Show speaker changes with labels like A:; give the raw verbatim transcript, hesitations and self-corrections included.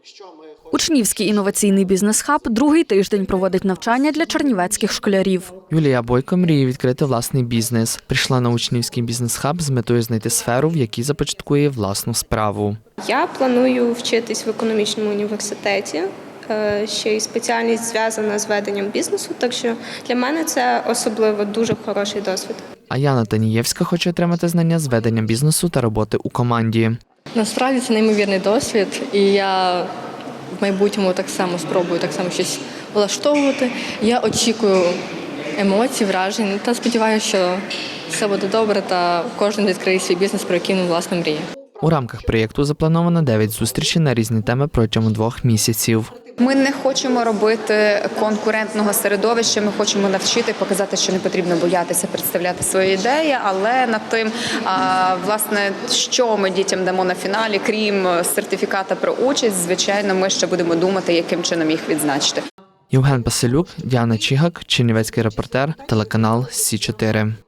A: Учнівський інноваційний бізнес-хаб другий тиждень проводить навчання для чернівецьких школярів.
B: Юлія Бойко мріє відкрити власний бізнес. Прийшла на учнівський бізнес-хаб з метою знайти сферу, в якій започаткує власну справу.
C: Я планую вчитись в економічному університеті. Ще й спеціальність зв'язана з веденням бізнесу, так що для мене це особливо дуже хороший досвід.
B: А Яна Танієвська хоче отримати знання з ведення бізнесу та роботи у команді.
D: Насправді це неймовірний досвід, і я в майбутньому так само спробую так само щось влаштовувати. Я очікую емоцій, вражень та сподіваюся, що все буде добре та кожен відкриє свій бізнес, про який він, власне, мріє.
B: У рамках проєкту заплановано дев'ять зустрічей на різні теми протягом двох місяців.
E: Ми не хочемо робити конкурентного середовища, ми хочемо навчити, показати, що не потрібно боятися представляти свої ідеї, але над тим, власне, що ми дітям дамо на фіналі, крім сертифіката про участь, звичайно, ми ще будемо думати, яким чином їх відзначити.
B: Євген Паселюк, Діана Чігак, Чернівецький репортер, телеканал Сі чотири.